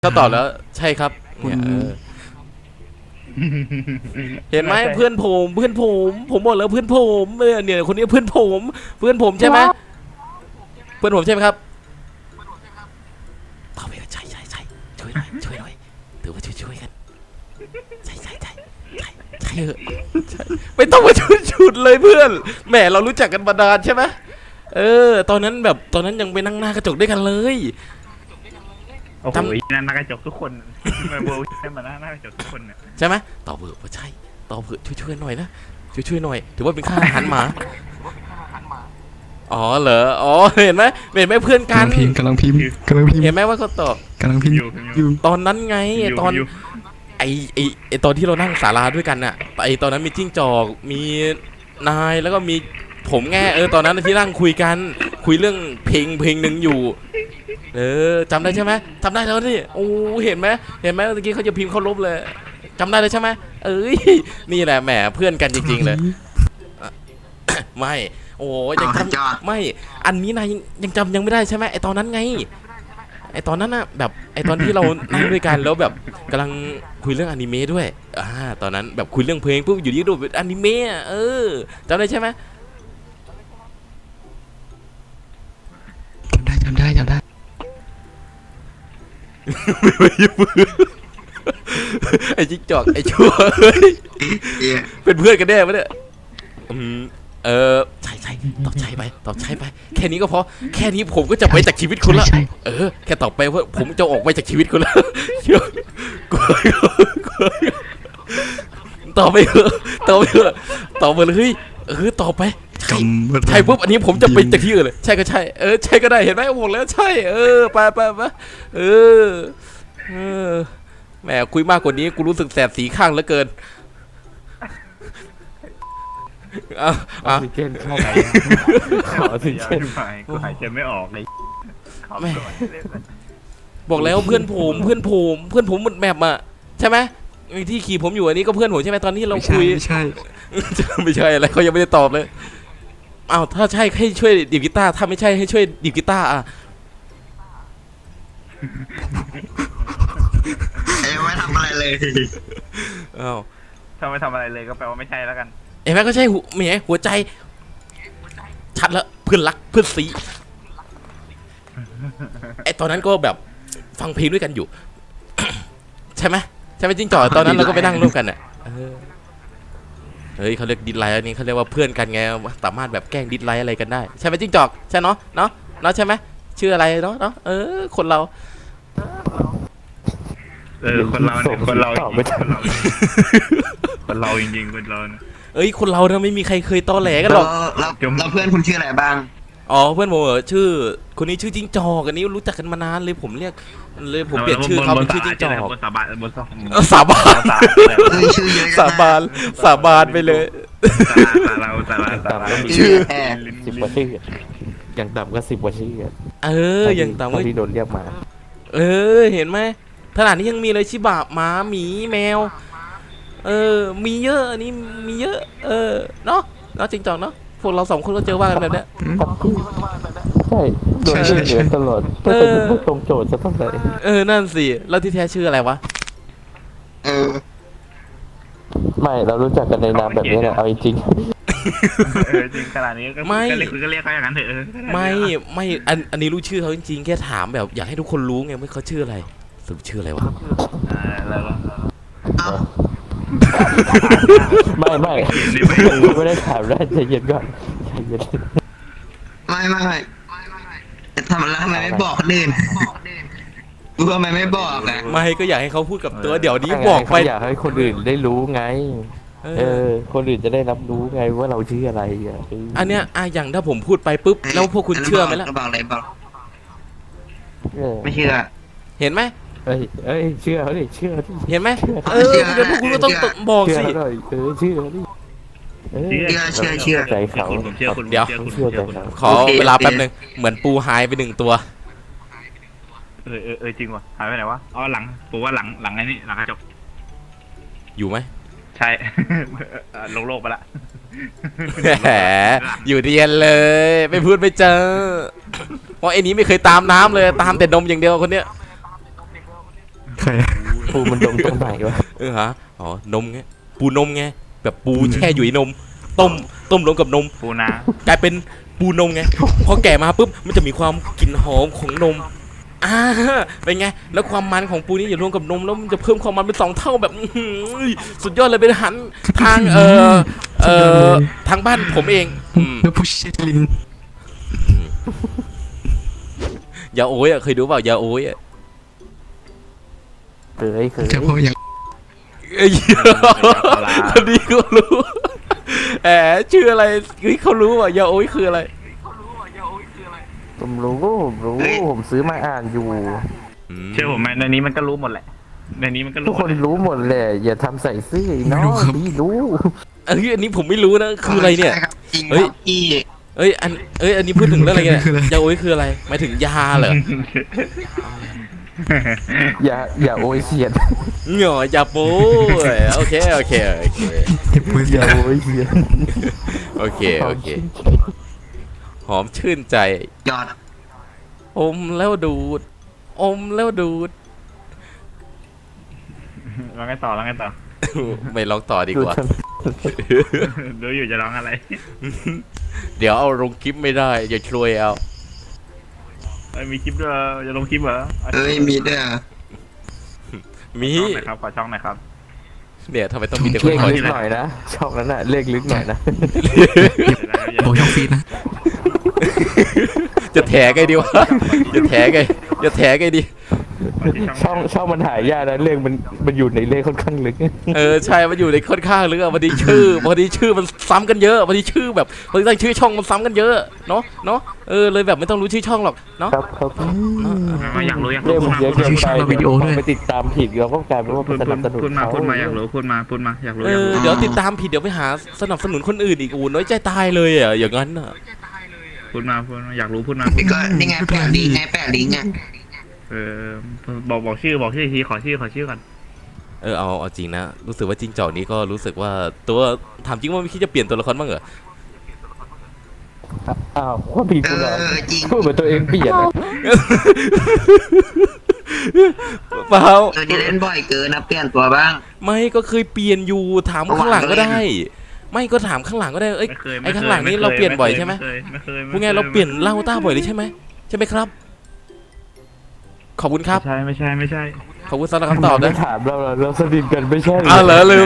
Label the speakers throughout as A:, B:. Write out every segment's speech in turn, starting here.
A: เขาตอบแล้วใช่ครับเนี่ยเห็นไหมเพื่อนผมบอกแล้วเพื่อนผมเนี่ยคนนี้เพื่อนผมใช่ไหมเพื่อนผมใช่ไหมครับตอบไปใช่ช่วยหน่อยถือว่าช่วยกันใช่เหอะใช่ไม่ต้องมาชุดเลยเพื่อนแหมเรารู้จักกันมานานใช่ไหมตอนนั้นยังไปนั่งหน้ากระจกด้วยกันเลย
B: โอ้โหนั่นนักกระจกทุกคนมาโบว์ใช่มาหน้ากระจกทุกคนเนี่ย
A: ใช่ไหมตอบเบอร์ว่าใช่ตอบเบอร์ช่วยหน่อยนะช่วยหน่อยถือว่าเป็นค่าอาหารหมาอ๋อเหรออ๋อเห็นไหมเพื่อนกัน
C: กำลังพิมพ์
A: เห็นไหมว่าเขาตอบ
C: กำลังพิมพ์อยู่
A: ตอนนั้นไงตอนไอตอนที่เรานั่งศาลาด้วยกันน่ะไอตอนนั้นมีจิ้งจอกมีนายแล้วก็มีผมแง่ตอนนั้นที่นั่งคุยกันคุยเรื่องเพลงหนึ่งอยู่จำได้ใช่ไหมจำได้แล้วนี่โอ้เห็นไหมเมื่อกี้เขาจะพิมพ์เขาลบเลยจำได้เลยใช่ไหมนี่แหละแหมเพื่อนกันจริงๆเลยไม่โอ้ยังจำไม่อันนี้นายยังจำยังไม่ได้ใช่ไหมไอตอนนั้นไงไอตอนนั้นน่ะแบบไอตอนที่เรานั่งด้วยกันแล้วแบบกำลังคุยเรื่องอนิเมะด้วยตอนนั้นแบบคุยเรื่องเพลงปุ๊บอยู่ดีดูอนิเมะจำได้ใช่ไหม
C: จำได้
A: ไอ้จิ๊กจอกไอ้ชั่วเป็นเพื่อนกันแน่ปะเนี่ยใช่ตอบใช่ไปแค่นี้ก็พอแค่นี้ผมก็จะไปจากชีวิตคุณละแค่ตอบไปว่าผมจะออกไปจากชีวิตคุณแล้วตอบไปเถอะตอบไปเลยตอบไปใช่ปุ๊บอันนี้ผมจะไปจากที่อื่นเลยใช่ก็ใช่ใช่ก็ได้เห็นไหมผมแล้วใช่ไปแหมคุยมากกว่านี้กูรู้สึกแสบสีข้างเหลือเกิน
D: ออกซิเจนเข้าไปออกซิเจน
B: กูหายใจไม่ออกเลย
A: บอกแล้วเพื่อนผมหมดแมปอ่ะใช่ไหมที่ขี่ผมอยู่อันนี้ก็เพื่อนผมใช่ไหมตอนที่เราคุย
C: ไม่ใช่
A: อะไรเขายังไม่ได้ตอบเลยอ้าวถ้าใช่ให้ช่วยดีดกีตาร์ถ้าไม่ใช่ให้ช่วยดีดกีตาร์
E: ไม่ทำอะไรเลย
A: อ้าว
B: ถ้าไม่ทำอะไรเลยก็แปลว่าไม่ใช่แล้วกัน
A: แม่ก็ใช่หัวใจชัดแล้วเพื่อนรักเพื่อนซีไอตอนนั้นก็แบบฟังเพลงด้วยกันอยู่ ใช่ไหมจิ้งจอกตอนนั้นเราก็ไปนั่งร่วมกันอ่ะเฮ้ยเขาเรียกดิสไลน์อันนี้เขาเรียกว่าเพื่อนกันไงสามารถแบบแกล้งดิสไลน์อะไรกันได้ใช่ไหมจิ้งจอกใช่เนาะใช่ไหมชื่ออะไรเนาะคนเรา
B: คนเราเนี่ยคนเราจริงๆคนเรา
A: คนเราเนี่ยไม่มีใครเคยตอแหลกันหรอก
E: แล้วเพื่อนคุณชื่ออะไรบ้าง
A: อ๋อเพื่อนผมชื่อคนนี้ชื่อจิ้งจอกอันนี้รู้จักกันมานานเลยผมเปลี่ยนชื่อเขาเป็นชื่อจิ้งจอก
B: สาบาน
A: สาบานไปเลย
D: ชื่อ10 กว่าชื่ออย่างต่ำก็10 กว่าชื่อ
A: อย่างต่ำก็
D: ที่โดนเรียกมา
A: เห็นไหมขนาดนี้ยังมีเลยชิบะหมาหมีแมวมีเยอะอันนี้มีเยอะเนาะจริงจังเนาะพวกเรา2 คนก็เจอว่ากันแบบเนี้ย
D: ใช่โดนเรียกเหนือตลอดไม่ตรงโจทย์จะต้องไหน
A: นั่นสิแล้วที่แท้ชื่ออะไรวะ
D: ไม่เรารู้จักกันในนามแบบนี้แหละเอาจริง
B: จริงขนาดนี้ก็ไม่คุณก็เรียกเขาอย่างนั้นเถอะ
A: ไม่อันนี้รู้ชื่อเขาจริงๆแค่ถามแบบอยากให้ทุกคนรู้ไงว่าเขาชื่ออะไรสรุปชื่ออะไรวะ
D: ไม่ได้ถามได้ใจเย็นก่อนใจเย็น
E: ไม่ทำแล้วทำไมไม่บอกคนอื่นกูทำไมไม่บอก
A: ไม่ก็อยากให้เขาพูดกับตัวเดี๋ยวนี้บอกไป
D: อยากให้คนอื่นได้รู้ไงคนอื่นจะได้รับรู้ไงว่าเราชื่ออะไร
A: อันเนี้ยอย่างถ้าผมพูดไปปุ๊บแล้วพวกคุณเชื่อไหมล่ะ
E: บอกเลยบอกไม่เชื่อ
D: เห็นไหมเชื่อเขาดิเชื่อ
A: เห็นไหมเดี๋ยวพวกคุณก็ต้องบอกสิ
D: เชื่อดิ
E: เชื่อ
D: ใจเขา
A: เดี๋ยวขอเวลาแป๊บนึงเหมือนปูหายไป1 ตัว
B: จริงว่ะหายไปไหนวะอ๋อหลังปูว่าหลังไอ้นี่หลังกระจก
A: อยู่ไหม
B: ใช่โลกไปละ
A: แหมอยู่เรียนเลยไม่พูดไม่เจอเพราะไอ้นี้ไม่เคยตามน้ำเลยตามแต่นมอย่างเดียวคนเนี้ย
D: ใครปูมันดมตรงไหนวะ
A: ฮะอ๋อนมไงปูนมไงแบบปูแช่อยู่ในนม ต้มรวมกับนม
B: ปูนาก
A: ลายเป็นปูนมไงพอแก่มาปุ๊บมันจะมีความกลิ่นหอมของนมเป็นไงแล้วความมันของปูนี่อย่ารวมกับนมแล้วมันจะเพิ่มความมันเป็น2 เท่าแบบอื้อหือสุดยอดเลยเป็นอาหารทางทางบ้านผมเอง
D: แล้วผู้เชลิน
A: ยาโอ้ยเคยดูเปล่ายาโอ้ย
D: เคย
C: เฉพาะอย่าง
A: เอ้ยคนนี้ก็รู้แหมชื่ออะไรเฮ้ยเขารู้ว่ายาโอ้ยคืออะไร
D: ผมรู้ผมซื้อมาอ่านอยู่
B: เชื่อผมไหมในนี้มันก็รู้หมดแหละในนี้มันก็
D: ทุ
B: รู้
D: กคนรู้หมดแหละอย่าทำใส่ซื่อน้องดีรู้
A: อันนี้ผมไม่รู้นะคืออะไรเนี่ย
E: ใช่ครับจริงค
A: เฮ้ย
E: รับพี่
A: อันนี้พูดถึงเรื่องอะไรกันเนี่ยยาโอ้ยคืออะไรหมายถึงยาเหรอ
D: อย่าโอยเสียด
A: เหงอยาโป้ยโอเค
D: อย่าโอยเสียด
A: โอเคหอมชื่นใจ
E: ยอด
A: อมแล้วดูด
B: ร้องไงต่อ
A: ไม่ร้องต่อดีกว่า
B: ดูอยู่จะร้องอะไร
A: เดี๋ยวเอาลงคลิปไม่ได้อย่าช่วยเอา
B: มีคลิปด้วยจะลงคลิปเหรอ
E: เอ้ยมีด้วยเหรอ
A: มี
B: ช่องหน่อยครับขอช่องหน่อยครับ
A: เนี่ยทำไมต้องมีแต่ค
D: เล
A: น
D: ข
A: คอย
D: ลึกหน่อยนะช่องนั้นน่ะเลขลึกหน่อยนะ
C: บอกช่องฟีดนะ
A: จะแถไงดีวะจะแถไงดี
D: ช่องมันหายากนะเลขมันอยู่ในเลขค่อนข้างลึก
A: ใช่มันอยู่ในค่อนข้างลึกอะพอดีชื่อมันซ้ำกันเยอะพอดีชื่อแบบพอดีตั้งชื่อช่องมันซ้ำกันเยอะเนาะเลยแบบไม่ต้องรู้ชื่อช่องหรอกเนาะ
D: ครับ
B: อยากรู้
D: เลขมันเยอะเกินไป
C: วิดีโอด้วย
D: ไปติดตามผิดเราก็กลายเป็นว่า
B: พู
D: เป็น
B: ด
D: สนับสนุนเขา
B: มาอยากรู้พูดมาอยากรู้
A: เดี๋ยวติดตามผิดเดี๋ยวไปหาสนับสนุนคนอื่นอีกน้อยใจตายเลยอ่ะอย่างนั้นอ่ะ
B: พูดมาอยากรู้พูดมา
E: พี่ก็นี่ไงแปะลิงก์ไงแปะลิงก์อ่ะ
B: บอกชื่อทีขอชื่อก่อน
A: เอาจริงนะรู้สึกว่าจิ้งจอกนี้ก็รู้สึกว่าตัวถามจริงว่าไม่คิดจะเปลี่ยนตัวละครบ้างเหรอ
D: อ้าวว่าผิดกูเหรอ
E: จริง
D: พูดเหมือนตัวเองเปลี่ยนอะ
A: เปล่า
E: เราจะเล่นบ่อยเกินนะเปลี่ยนตัวบ้าง
A: ไม่ก็เคยเปลี่ยนอยู่ถามข้างหลังก็ได้ ไม่ก็ถามข้างหลังก็ได้เอ้ย
B: ไม่เคย
A: ไอ้ข้างหลังนี้เราเปลี่ยนบ่อยใช่ไหม
B: ไม่เคย
A: พูดไงเราเปลี่ยนเหล่าต้าบ่อยเลยใช่ไหมครับ ขอบคุณครับ
B: ไม่ใช่
A: ขอบคุณสำหรับคำตอบนะ
D: ไม่ถามเราสนิทกันไม่ใช่หร
A: เหรอลืม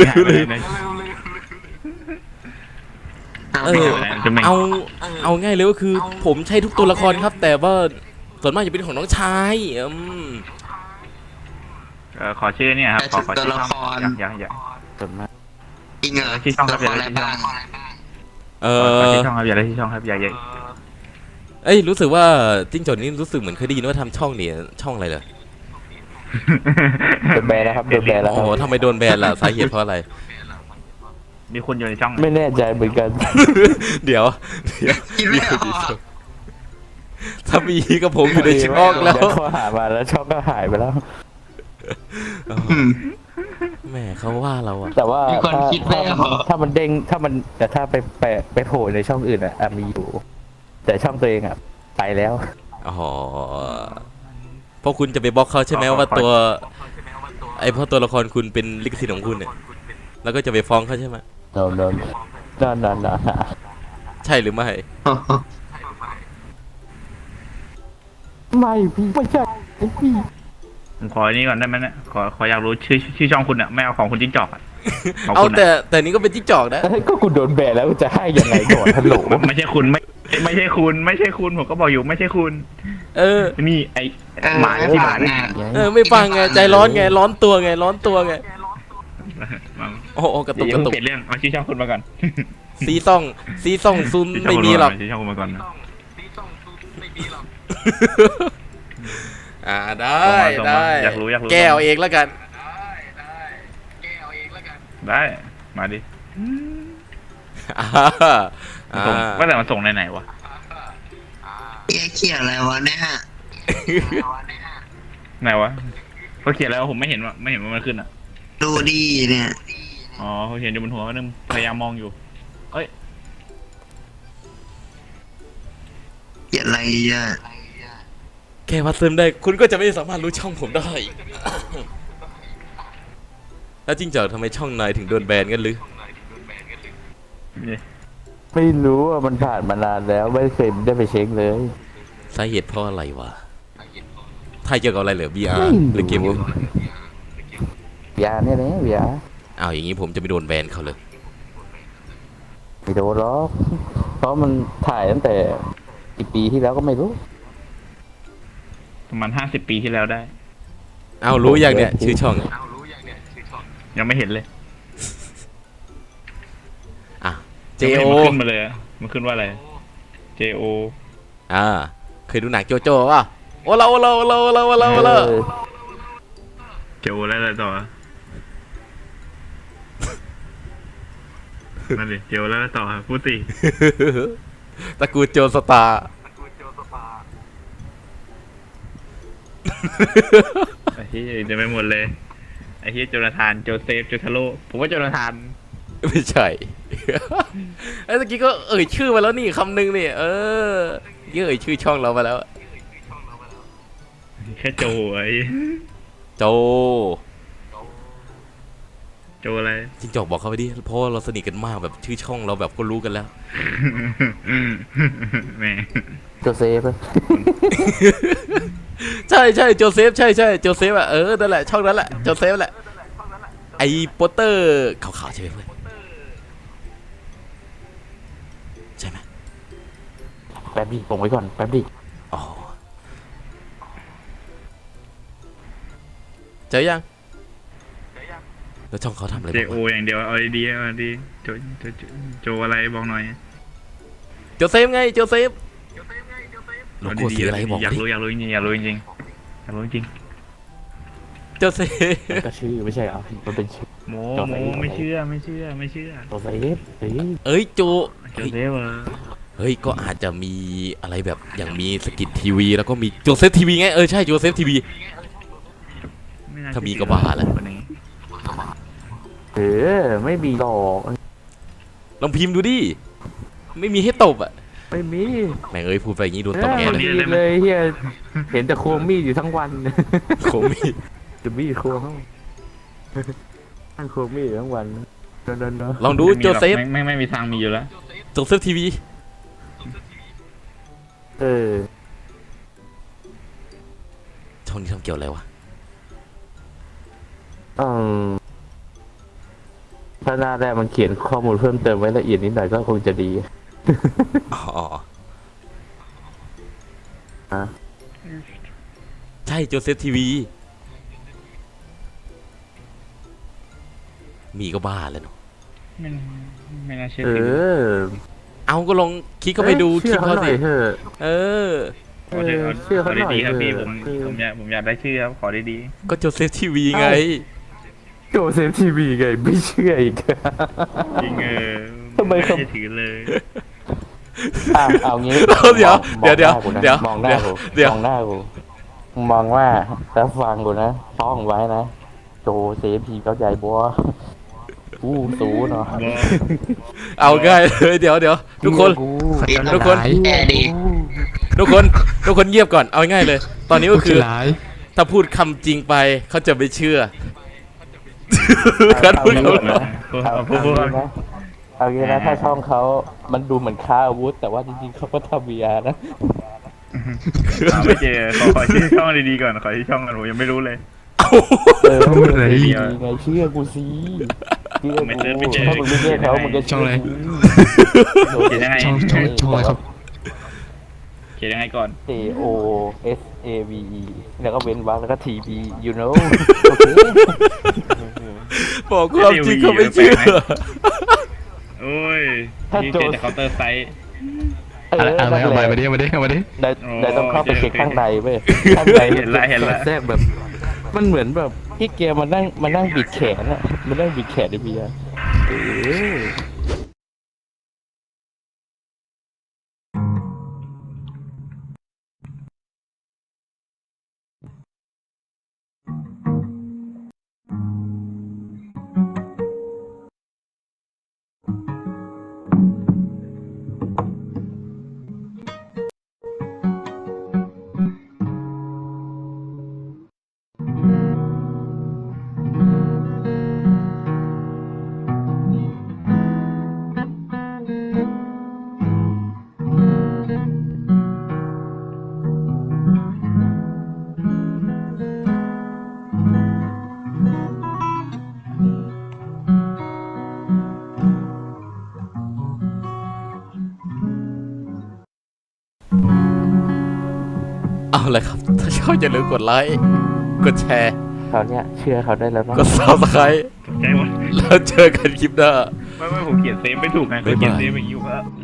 A: เอาง่ายเลยก็คือ ผมใช้ทุกตัวละครครับ แต่ว่าส่วนมากจะเป็นของน้องชาย
B: ขอชื่อเนี่ยครับขอ
E: ตัวละคร
B: อยาก
D: ส่วนมาก
E: จริงเหรอ
B: ที่ช่องค
E: ตั
B: รั
E: ว
B: บ
E: ละครอะไรบ้าง
B: ขอที่ช่องครับอยากได้ที่ช่องครับอยาก
A: เอ้ยรู้สึกว่าจิ้งจอกนี่รู้สึกเหมือนเคยได้ยินว่าทำช่องเนี่ยช่องอะไรเหรอ
D: โดนแบนแล้วครับโดนแบนแล้ว
A: โอ้
D: ค
A: โห
D: รับ
A: ทำไมโดนแบนล่ะสาเหตุเพราะอะไร
B: มีคนอยู่ในช่อง
D: ไม่แน่ใจเหมือนกัน
A: เดี๋ยว
E: คิดไม่ออก
A: ถ้ามีกับผมอยู่ในช่องแล้ว
D: เดี๋ยวเขาหามาแล้วช่องก็หายไปแล้ว
A: แหมเขาว่าเราอะ
D: แต่ว่า
E: มีคนคิดไม่ออก
D: ถ้ามันเด้งแต่ถ้าไปโผล่ในช่องอื่นอ่ะมีอยู่ แต่ช่องตัวเองอ่ะไปแล้ว
A: อ๋อเพราะคุณจะไปบล็อกเขาใช่ไหมว่าตัวเพราะตัวละครคุณเป็นลิขสิทธิ์ของคุณเนี่ยแล้วก็จะไปฟ้องเขาใช่ไหม
D: โดน
A: ใช่หรือไม่
D: ไม่พี่ไม่ใช่พี่
B: ผมขอนี้ก่อนได้ไหมเนี่ยขออยากรู้ชื่อช่องคุณอ่ะไม่เอาของคุณจิ้งจอกอ่ะ
A: เอาแต่นี่ก็เป็นจิ้งจอกนะ
D: ก็คุณโดนแบนแล้วจะให้ยังไงก่อนฮัลโหล
B: ไม่ใช่คุณไม่ใช่คุณผมก็บอกอยู่ไม่ใช่คุณ นี่ไอหมาที่บ้าน
A: ไม่ฟังไงใจร้อนไงร้อนตัวไงโอ้โหกระตุก
B: เปลี่ยนเรื่องเอาชื่อช่องคุณมาก่อน
A: ซีซ่องซุนไม่มีหรอก
B: ชื่อช่องคุณมาก่อนนะ
A: ได้
B: อยากรู้
A: แก้วเองแล้วกัน
B: ได้มาดิ ว่าแต่มันส่งไหนวะ
E: เขียนอะไรวะเนี่ย
B: ไหนวะเขาเขียนแล้วผมไม่เห็นว่ามันขึ้นอ่ะ
E: ดูดีเนี่ย
B: อ๋อเขาเขียนอยู่บนหัวนึงพยายามมองอยู่เอ้ย
E: เขียนอะไรอ่ะ
A: แค่วัดเซิร์ฟได้คุณก็จะไม่สามารถรู้ช่องผมได้ แล้วจริงจังทำไมช่องนายถึงโดนแบนกันหรือ
D: ไม่รู้ว่ามันผ่านมานานแล้วไม่เคยได้ไปเช็คเลย
A: สาเหตุเพราะอะไรวะไทยเกี่ยวกับอะไรเหรอ VR
D: ไม่รู้
A: หรือเกมอื่น
D: ยาเนี่ยนะยา
A: อ้าวอย่างนี้ผมจะไม่โดนแบนเขาเลย
D: ไม่โดนหรอกเพราะมันถ่ายตั้งแต่กี่ปีที่แล้วก็ไม่รู้
B: ประมาณ50 ปีที่แล้วได้
A: อ้าวรู้อย่างเนี่ยชื่อช่อง
B: ยังไม่เห็นเลย
A: อ่ะ
B: ยัง
A: JO
B: ไม่เห็นมันขึ้นมาเลยอะมันขึ้นว่าอะไร JO
A: อ่าเคยดูหนังโจโจ้ป่ะโอ้เรา
B: โจแล้วอะไรต่อนั่นดิโจแล้วอะไรต่อพูดสิ
A: ตระกูลโจสตาร์
B: ไอ้ที่จะไม่หมดเลยไอ้ที่โจนาธานโจเซฟโจทาโร่ผมว่าโจนาธาน
A: ไม่ใช่ ไอ้ตะกี้ก็เอ่ยชื่อมาแล้วนี่คำหนึ่งนี่เอ่ยชื่อช่องเรามาแล้ว
B: แค่โจไอ้
A: โจ
B: โจอะไร
A: จริงจอกบอกเขาไปดิเพราะว่าเราสนิทกันมากแบบชื่อช่องเราแบบก็รู้กันแล้ว
B: แหม่
D: โจเซฟอะ
A: ใช่โจเซฟใช่โจเซฟอ่ะนั่นแหละช่องนั้นแหละโจเซฟแหละไอ้โปสเตอร์ขาวๆใช่ไหมเพื่อนใช่ไหม
D: แป๊บดิผมไว้ก่อนแป๊บดิ
A: อ๋อเจอยังแล้วช่องเขาทำอะไร
B: เจ
A: บ้าง
B: โอ
A: วะ
B: อย่างเดียวเอาดีๆเอาดีโจโจอะไรบอกหน่อย
A: โจเซฟไงโจเซฟโล
B: เอา
A: โก้
B: ดี
A: สี
B: ๆ
A: อะไรบอก
B: อยาก
A: ดิ
B: รู้จริงๆอยากรู้จริงๆอยากรู้จริง
A: โจเซฟ
D: มันก็ชื่อไม่ใช่เหรอมันเป็นชื่อ
B: โม
D: โจเซฟ
B: ไม่เชื่อ
D: โจเซฟเฮ้ย
A: โจ
B: โจเซฟเหรอ
A: เฮ้ยก็อาจจะมีอะไรแบบอย่างมีสกิททีวีแล้วก็มีโจเซฟทีวีไงใช่โจเซฟทีวี
B: ไน่
A: ถ้ามีก็บ้าแล้ว
B: คนนี้
D: ไม่มีหรอก
A: ลองพิมพ์ดูดิไม่มีให้ตบอ่ะ
D: ไม่มี
A: แม่งพูดไปอย่างนี้โดนตบแง
D: ไม่
A: เลย
D: มีเลยเฮียเห็นแต่ควงมีดอยู่ทั้งวัน
A: โคมี
D: จะมีดควงเขาทั้งควงมีดอยู่ทั้งวันเดิน
A: ลองดูโจเซฟ
B: ไม่มีทางมีอยู่แล้ว
A: โจเซฟทีวี
D: เออ
A: ช่องนี้ทำเกี่ยวอะไรวะ
D: อืมถ้าหน้าแรกมันเขียนข้อมูลเพิ่มเติมไว้ละเอียดนิดหน่อยก็คงจะดี
A: อ๋อ
D: ฮะ
A: ใช่โจเซฟทีวีมีก็บ้าแล้วเนาะ
B: ไม่น่าเชื่อ
D: เอ
B: ถือ
D: อ
A: เอาก็ลองคลิกเข้าไปดูคลิปเขา
D: หน่
A: สิ
D: อยเถอะ
A: เออ
B: ขอเถอะ
D: เชื่อ
B: ขอ
D: เขาหน่อย
B: ดีๆครับพี่
D: เถ
B: ผ
D: อะ
B: มอยากได้ชื่อครับขอดี
A: ก็โจเซฟทีวีไง
D: โจเซฟทีวีไงไม่เชื่ออีก
B: ๆจริง
D: ทำไม
B: ไม่
D: ครับ
B: เชื่อถือเลย
D: เอางี้
A: เดี๋ยว
D: มองหน้ากูนะ
A: เดี๋ยว
D: มองหน้ากู
A: เดี๋ยว
D: มองหน้ากูมองว่าแล้วฟังกูนะท่องไว้นะโจเซฟทีเข้าใจบัวอู้สูเนาะ
A: เอาง่ายเลยเดี๋ยวทุกคน ทุกคน
E: แอดี
A: ทุกคนเงียบก่อนเอาง่ายเลย ตอนนี้ก็คือ ถ้าพูดคำจริงไปเขาจะไม่เชื่อ การพูดคำ
B: พูด
D: เอางี้นะถ้าช่องเขามันดูเหมือนค้าอาวุธ แต่ว่าจริงๆเขาก็ทำ VR นะ
B: ไม่เจอขอชื่อช่องดีๆก่อนขอชื่อช่องก่อนผมยังไม่รู้เลย
C: พูดอะไร
D: ดีไงเชื่อกูสิเชื่อ
B: ไม่
D: กู
B: เจอ
D: ถ้ามึงไม่เชื่อเขามึงก็
C: ช่องอะไร
B: เขียนยังไง
C: ช่องอะไรครับ
B: เขียนยังไงก่อน
D: J O S A V E แล้วก็เว้นวรรคแล้วก็ T V you know โอเค
A: บอกความจริงเขาไม่เชื่อ
B: โอ้ยที่เจอจากเคาน์เตอร์ไซต์
C: เอามาดิ
D: ได้ต้องเข้าไปเช็คข้างในเว้ยข้างใน
B: เห็นละ
D: แทรกแบบ มันเหมือนแบบที่เกมมานั่งบิดแขนอะมันนั่งบิดแขนในเบียร์
A: เอาเลยครับ ถ้าชอบอย่าลืมกดไลค์กดแชร์
D: เขาเนี่ยเชื่อเขาได้แล้วมั้ง
A: กด subscribe
B: ตกใจหมด
A: แล้วเจอกันคลิปหน้า
B: ไม่ผมเขียนเซฟไม่ถูกไงเขาเขียนเซฟอย่างนี้ว่า